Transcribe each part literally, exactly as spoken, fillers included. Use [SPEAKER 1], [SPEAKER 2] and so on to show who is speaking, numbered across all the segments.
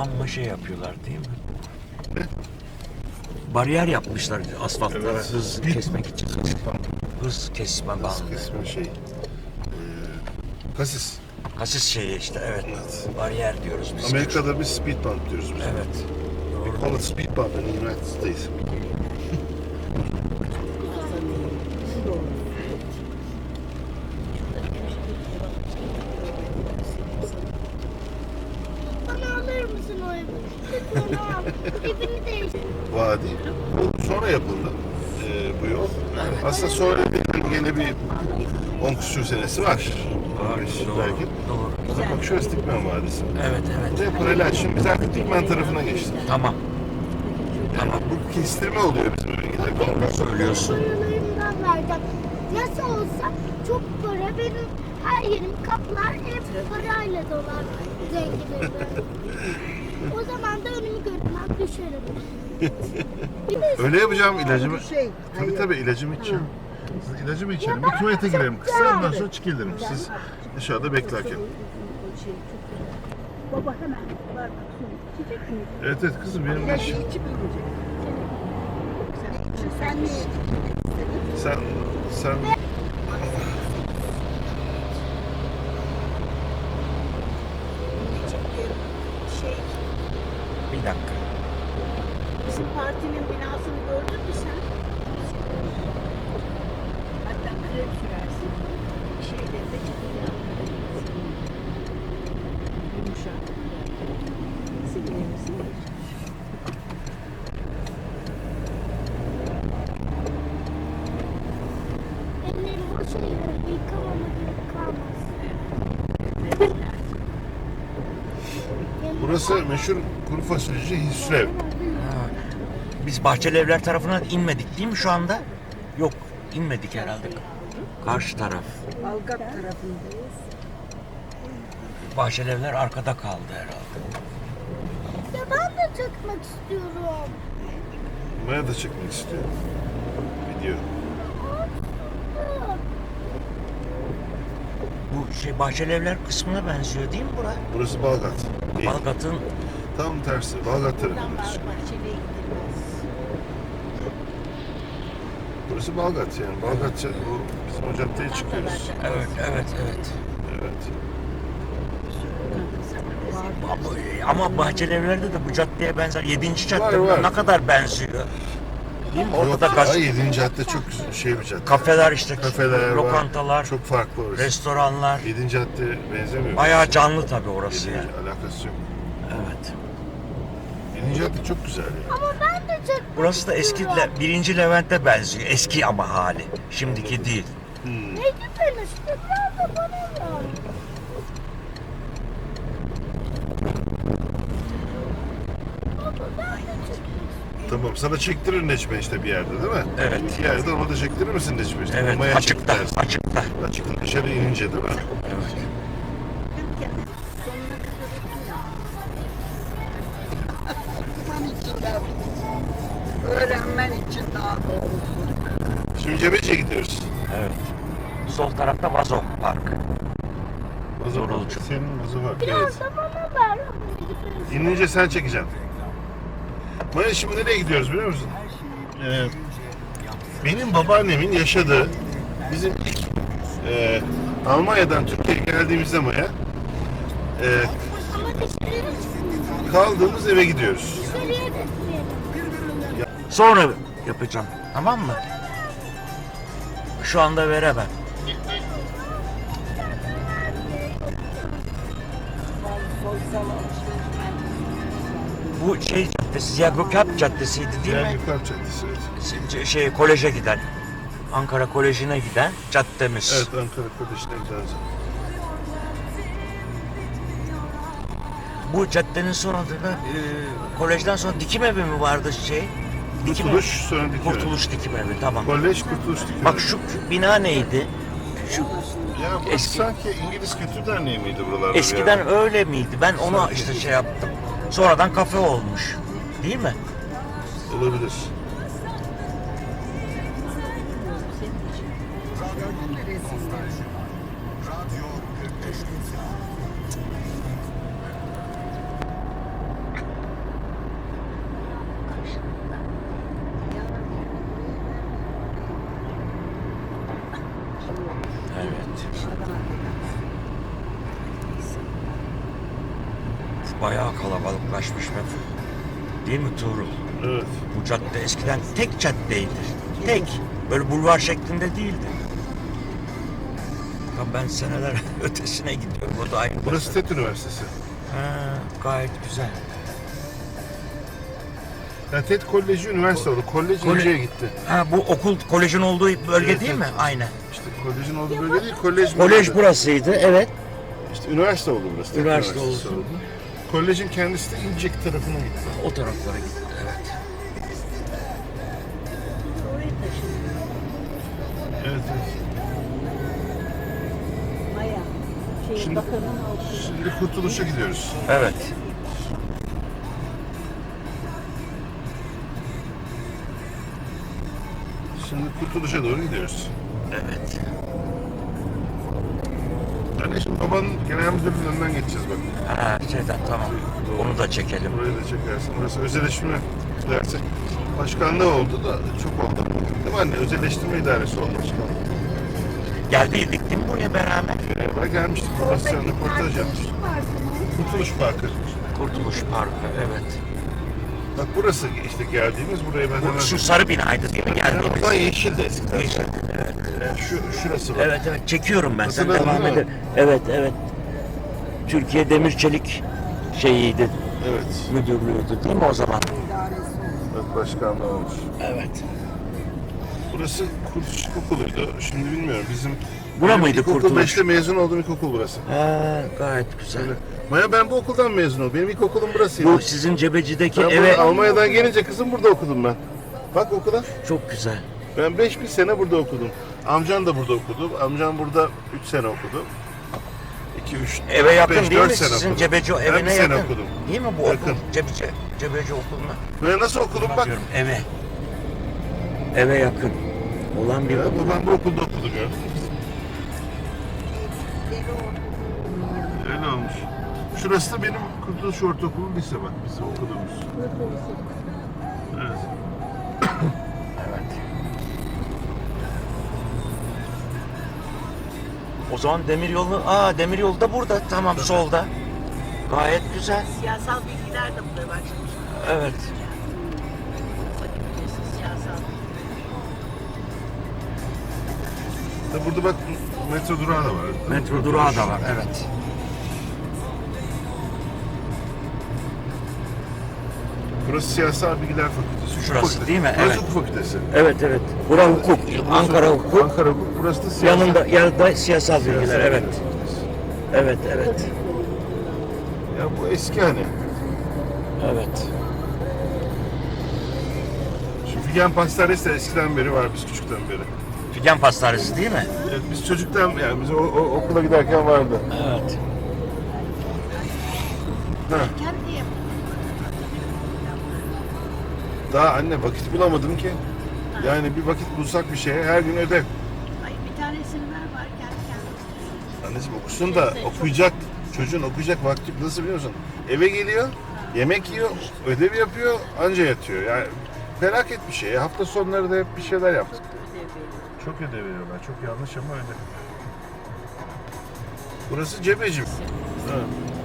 [SPEAKER 1] amma şey yapıyorlar değil mi? Bariyer yapmışlar asfaltlara
[SPEAKER 2] Evet.
[SPEAKER 1] hız kesmek için. Hız kesme bandı.
[SPEAKER 2] Kesme şey. Ee, kasis.
[SPEAKER 1] Kasis şeyi işte evet.
[SPEAKER 2] Evet.
[SPEAKER 1] Bariyer diyoruz biz.
[SPEAKER 2] Amerika'da bir speed bump diyoruz biz.
[SPEAKER 1] Evet.
[SPEAKER 2] We call it speed bump in the United States.
[SPEAKER 3] Bana alır mısın o evi? Lütfen al. Evini değiştir.
[SPEAKER 2] Vadi. Bu sonra yapıldı. Ee, bu yol. Aslında sonra bir- yine bir on küsur senesi var.
[SPEAKER 1] Var,
[SPEAKER 2] Beş
[SPEAKER 1] doğru,
[SPEAKER 2] belki.
[SPEAKER 1] doğru.
[SPEAKER 2] Bak şurası Dikmen Vadisi.
[SPEAKER 1] Evet evet.
[SPEAKER 2] Ve paralel. Şimdi biz artık Dikmen tarafına geçtik.
[SPEAKER 1] Tamam.
[SPEAKER 2] Tamam. Bu kestirme oluyor bizim bölgede.
[SPEAKER 1] Söylüyorsun.
[SPEAKER 3] Paralarımdan vereceğim. Nasıl olsa çok para benim her yerim kaplar hep parayla dolar zenginim. O zaman da önümü görmem düşerim. Bir de
[SPEAKER 2] Öyle yapacağım ilacımı.
[SPEAKER 4] Şey,
[SPEAKER 2] Tabii
[SPEAKER 4] hayır.
[SPEAKER 2] tabii ilacımı içeceğim. Siz ilacımı içelim.
[SPEAKER 3] Ya
[SPEAKER 2] Bir
[SPEAKER 3] ben
[SPEAKER 2] tuvalete
[SPEAKER 3] çok
[SPEAKER 2] girelim kısa.
[SPEAKER 3] güzel.
[SPEAKER 2] Ondan sonra çıkılırım. Siz dışarıda beklerken.
[SPEAKER 4] Şey, çok güzel. Baba hemen var bak su. İçecek mi?
[SPEAKER 2] Evet evet kızım benim
[SPEAKER 4] Ben
[SPEAKER 2] de işim.
[SPEAKER 4] içip inecek. Sen, sen ne istedin?
[SPEAKER 2] Sen sen
[SPEAKER 4] Şey,
[SPEAKER 1] Bir dakika.
[SPEAKER 4] bizim partinin binasını gördün mü sen? Hatta krem sürersin. Şeylerinde çıkacak. Yumuşak. Sinirimizi
[SPEAKER 3] ellerim boşa yıkamama gerek kalmaz.
[SPEAKER 2] burası meşhur kuru fasulyeci Hüsrev.
[SPEAKER 1] Ha. Biz Bahçeli Evler tarafına inmedik değil mi şu anda? Yok inmedik herhalde. Karşı taraf.
[SPEAKER 4] Algat tarafındayız.
[SPEAKER 1] Bahçeli Evler arkada kaldı herhalde.
[SPEAKER 3] Ya ben de çıkmak istiyorum.
[SPEAKER 2] Maya da çekmek istiyorum. Video.
[SPEAKER 1] Bu şey Bahçeli Evler kısmına benziyor değil mi bura?
[SPEAKER 2] Burası Balgat. Değil.
[SPEAKER 1] Balgat'ın
[SPEAKER 2] Tam tersi. Balgat tarafındayız.
[SPEAKER 4] Bahçeli'ye gidilmez.
[SPEAKER 2] Burası Balgat yani. Balgat bu bizim o caddeye çıkıyoruz.
[SPEAKER 1] evet evet evet.
[SPEAKER 2] Evet.
[SPEAKER 1] Ama, ama Bahçeli Evler'de de bu caddeye benzer. Yedinci cadde
[SPEAKER 2] Var, var.
[SPEAKER 1] ne kadar benziyor. Değil mi? Orada
[SPEAKER 2] Yok,
[SPEAKER 1] da gaz,
[SPEAKER 2] ay yedinci cadde çok güzel şey bir cadde.
[SPEAKER 1] kafeler işte,
[SPEAKER 2] Kafeler var.
[SPEAKER 1] lokantalar,
[SPEAKER 2] Çok farklı orası.
[SPEAKER 1] restoranlar.
[SPEAKER 2] yedinci cadde benzemiyor.
[SPEAKER 1] Bayağı canlı tabii orası
[SPEAKER 2] yedinci
[SPEAKER 1] yani.
[SPEAKER 2] alakası yok.
[SPEAKER 1] Evet.
[SPEAKER 2] yedinci cadde çok güzel yani.
[SPEAKER 3] Ama ben de çıkmak
[SPEAKER 1] Burası da eski
[SPEAKER 3] istiyorum.
[SPEAKER 1] Le- birinci Levent'e benziyor. Eski ama hali. Şimdiki değil.
[SPEAKER 2] Hmm.
[SPEAKER 3] Ne güzel işte biraz da bana ver. Baba ben de çıkmak istiyorum.
[SPEAKER 2] Tamam sana çektirir Necmi işte bir yerde değil mi?
[SPEAKER 1] Evet.
[SPEAKER 2] Bir yerde ona da çektirir misin Necmi işte?
[SPEAKER 1] Evet,
[SPEAKER 2] Maya
[SPEAKER 1] açıkta,
[SPEAKER 2] çektirersin.
[SPEAKER 1] açıkta.
[SPEAKER 2] Açıkta dışarı inince değil mi?
[SPEAKER 1] Evet.
[SPEAKER 4] Okuman için de öğrenmen için daha doğrusu.
[SPEAKER 2] Şimdi Cebeci'ye gidiyoruz.
[SPEAKER 1] Evet. Sol tarafta Vazo Park.
[SPEAKER 2] Vazo
[SPEAKER 1] Doğru
[SPEAKER 2] var.
[SPEAKER 1] olacak.
[SPEAKER 2] Senin vazo var.
[SPEAKER 3] Biraz
[SPEAKER 2] Evet.
[SPEAKER 3] da bana ver.
[SPEAKER 2] İnince sen çekeceksin. Maya şimdi nereye gidiyoruz biliyor musun? Ee, benim babaannemin yaşadığı bizim ilk e, Almanya'dan Türkiye'ye geldiğimizde Maya e,
[SPEAKER 3] Ama dişlerim
[SPEAKER 2] kaldığımız eve gidiyoruz.
[SPEAKER 3] dışarıya gitmeyelim.
[SPEAKER 1] Sonra yapacağım. Tamam mı? Şu anda veremem.
[SPEAKER 4] Sosyal alışveriş
[SPEAKER 1] Bu şey caddesi, Ziya Gökalp Caddesi'ydi değil
[SPEAKER 2] Diğer
[SPEAKER 1] mi?
[SPEAKER 2] Gökalp Caddesi evet.
[SPEAKER 1] Şey, koleje giden. Ankara Koleji'ne giden caddemiz.
[SPEAKER 2] Evet Ankara Koleji'ne gideceğiz.
[SPEAKER 1] Bu caddenin sonunda da e, kolejden sonra dikim evi mi vardı şey? Dikim
[SPEAKER 2] Kurtuluş sonra dikim evi.
[SPEAKER 1] Kurtuluş dikim evi tamam.
[SPEAKER 2] Kolej Kurtuluş Dikimi.
[SPEAKER 1] Bak şu bina neydi? Şu
[SPEAKER 2] Ya burası
[SPEAKER 1] eski-
[SPEAKER 2] sanki İngiliz Kültür Derneği miydi buralarda?
[SPEAKER 1] eskiden
[SPEAKER 2] bir ara?
[SPEAKER 1] öyle miydi? Ben onu
[SPEAKER 2] Sanki.
[SPEAKER 1] işte şey yaptım. Sonradan kafe olmuş. Değil mi?
[SPEAKER 2] Olabilir.
[SPEAKER 1] bayağı kalabalıklaşmış be. Değil mi Tuğrul?
[SPEAKER 2] Evet.
[SPEAKER 1] Bu cadde eskiden tek caddeydi. Tek. Böyle bulvar şeklinde değildi. Ya ben seneler ötesine gidiyorum. O da aynı.
[SPEAKER 2] Burası TED Üniversitesi.
[SPEAKER 1] Ha, gayet güzel.
[SPEAKER 2] Yani TED Koleji üniversite oldu. Kolej
[SPEAKER 1] Kole-
[SPEAKER 2] İnce'ye gitti.
[SPEAKER 1] Ha, bu okul kolejin olduğu bölge
[SPEAKER 2] Evet,
[SPEAKER 1] değil mi?
[SPEAKER 2] evet.
[SPEAKER 1] Aynen.
[SPEAKER 2] İşte kolejin olduğu bölge değil, kolej
[SPEAKER 1] Kolej
[SPEAKER 2] burası.
[SPEAKER 1] burasıydı, evet.
[SPEAKER 2] İşte üniversite oldu burası. TED
[SPEAKER 1] Üniversite
[SPEAKER 2] Üniversitesi
[SPEAKER 1] oldu.
[SPEAKER 2] oldu. Kolejin kendisi de İncek tarafına gitti.
[SPEAKER 1] O taraflara gitti, evet.
[SPEAKER 4] Oraya taşındı.
[SPEAKER 2] Evet, evet.
[SPEAKER 4] Maya. Şey,
[SPEAKER 2] Şimdi-
[SPEAKER 4] bakanın okulu.
[SPEAKER 2] Şimdi Kurtuluş'a gidiyoruz.
[SPEAKER 1] Evet.
[SPEAKER 2] Şimdi Kurtuluş'a doğru gidiyoruz.
[SPEAKER 1] Evet.
[SPEAKER 2] Yani şimdi babanın genel müdürlüğünün önünden geçeceğiz bak.
[SPEAKER 1] Ha, şeyden tamam. Onu da çekelim.
[SPEAKER 2] Burayı da çekersin. Burası özelleştirme dersi. Başkanlığı oldu da çok oldu. Değil mi anne? Özelleştirme idaresi oldu başkanlığı.
[SPEAKER 1] Geldiydik değil mi buraya beraber?
[SPEAKER 2] Beraber gelmiştik. Burası sen röportaj yapmıştık. Kurtuluş Parkı.
[SPEAKER 1] Kurtuluş Parkı, evet.
[SPEAKER 2] Bak burası işte geldiğimiz buraya ben hemen...
[SPEAKER 1] Bu, şu sarı binaydı değil mi geldiğimiz?
[SPEAKER 2] Oradan yeşildi eskiden.
[SPEAKER 1] Yeşil, evet.
[SPEAKER 2] Yani şu, şurası var.
[SPEAKER 1] Evet, evet. Çekiyorum ben. Sen
[SPEAKER 2] Hatırladın
[SPEAKER 1] devam
[SPEAKER 2] değil mi?
[SPEAKER 1] edin. Evet, evet. Türkiye Demir Çelik şeyiydi,
[SPEAKER 2] Evet.
[SPEAKER 1] müdürlüğüydü değil mi o zaman?
[SPEAKER 2] Bak başkanlığı olmuş.
[SPEAKER 1] Evet.
[SPEAKER 2] Burası Kurtuluş İlkokulu'ydu. Şimdi bilmiyorum bizim...
[SPEAKER 1] Bura
[SPEAKER 2] benim
[SPEAKER 1] mıydı
[SPEAKER 2] İlkokul
[SPEAKER 1] Kurtuluş?
[SPEAKER 2] beşte mezun olduğum ilkokul burası.
[SPEAKER 1] Ha, gayet güzel.
[SPEAKER 2] Öyle. Maya ben bu okuldan mezun oldum. Benim ilkokulum burasıydı.
[SPEAKER 1] Bu sizin Cebecideki
[SPEAKER 2] Ben
[SPEAKER 1] eve
[SPEAKER 2] burada Almanya'dan gelince kızım burada okudum ben. Bak okula.
[SPEAKER 1] çok güzel.
[SPEAKER 2] Ben beş bir sene burada okudum. Amcan da burada okudu. Amcam burada üç sene okudu. iki, üç,
[SPEAKER 1] Eve yakın
[SPEAKER 2] beş,
[SPEAKER 1] değil
[SPEAKER 2] dört
[SPEAKER 1] mi
[SPEAKER 2] sene
[SPEAKER 1] sizin
[SPEAKER 2] okudum.
[SPEAKER 1] Cebeci
[SPEAKER 2] Ben bir
[SPEAKER 1] evine
[SPEAKER 2] sene
[SPEAKER 1] yakın?
[SPEAKER 2] okudum.
[SPEAKER 1] Değil mi bu
[SPEAKER 2] Yakın.
[SPEAKER 1] okul? Cebeci, Cebeci okuluna.
[SPEAKER 2] Böyle nasıl okudum bak.
[SPEAKER 1] Bakıyorum eve. Eve yakın olan bir
[SPEAKER 2] Ya,
[SPEAKER 1] okul.
[SPEAKER 2] babam bu okulda okudu gördün mü? Öyle olmuş. Şurası da benim Kurtuluş Ortaokulu lise bak biz okuduğumuz. Evet.
[SPEAKER 1] Evet. O zaman demiryolu, aa demiryolu da burada. Tamam, solda. Gayet güzel.
[SPEAKER 4] Siyasal bilgiler de burada başlamış.
[SPEAKER 1] Evet.
[SPEAKER 4] Fakültesi siyasal bilgiler.
[SPEAKER 2] Da burada bak metro durağı da var.
[SPEAKER 1] Metro durağı da var. Evet.
[SPEAKER 2] Burası Siyasal Bilgiler Fakültesi.
[SPEAKER 1] Şurası
[SPEAKER 2] Fakültesi.
[SPEAKER 1] değil mi?
[SPEAKER 2] Burası
[SPEAKER 1] Evet.
[SPEAKER 2] hukuk fakültesi.
[SPEAKER 1] Evet, evet. Bura hukuk. Ankara hukuk.
[SPEAKER 2] Ankara hukuk. Burası da siyasal.
[SPEAKER 1] Yanında yanında siyasal bilgiler. Evet. Evet, evet.
[SPEAKER 2] Ya bu eski hani.
[SPEAKER 1] Evet.
[SPEAKER 2] Şu Figen Pastanesi de eskiden beri var biz küçükten beri.
[SPEAKER 1] Figen Pastanesi değil mi?
[SPEAKER 2] Evet, biz çocuktan yani biz o, o- okula giderken vardı.
[SPEAKER 1] Evet.
[SPEAKER 2] Ha.
[SPEAKER 4] Kendi yap.
[SPEAKER 2] Daha anne vakit bulamadım ki. Yani bir vakit bulsak bir şeye her gün ödev.
[SPEAKER 4] Ay bir tane isimler var kendi kendine.
[SPEAKER 2] Anneciğim okusun da okuyacak. Çocuğun okuyacak vakti nasıl biliyor musun? Eve geliyor, yemek yiyor, ödev yapıyor, anca yatıyor. Yani felaket bir şey. Hafta sonları da hep bir şeyler yaptık. Çok ödev veriyorlar. Çok yanlış ama öyle. Burası Cebeci. Ha.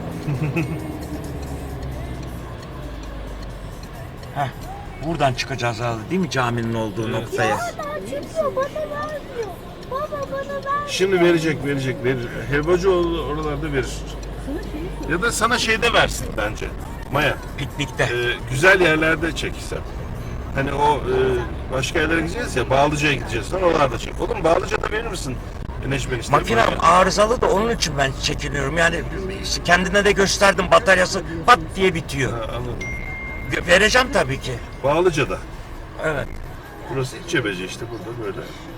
[SPEAKER 1] Heh. Buradan çıkacağız herhalde değil mi caminin olduğu noktaya?
[SPEAKER 3] Hala çıkıyor, bana vermiyor. Baba bana vermiyor.
[SPEAKER 2] Şimdi verecek, verecek, verir. Helvacıoğlu oralarda verir. Ya da sana şeyde versin bence. Maya.
[SPEAKER 1] Piknikte.
[SPEAKER 2] Ee, güzel yerlerde çekilsem. Hani o e, başka yerlere gideceğiz ya, Bağlıca'ya gideceğiz falan, oralarda çek. Oğlum Bağlıca'da verir misin? Necmen işte.
[SPEAKER 1] Makinem arızalı da onun için ben çekiniyorum. Yani kendine de gösterdim, bataryası pat diye bitiyor.
[SPEAKER 2] Ha, anladım.
[SPEAKER 1] Vereceğim tabii ki.
[SPEAKER 2] Bağlıca'da.
[SPEAKER 1] Evet.
[SPEAKER 2] Burası İç Cebeci işte burada böyle.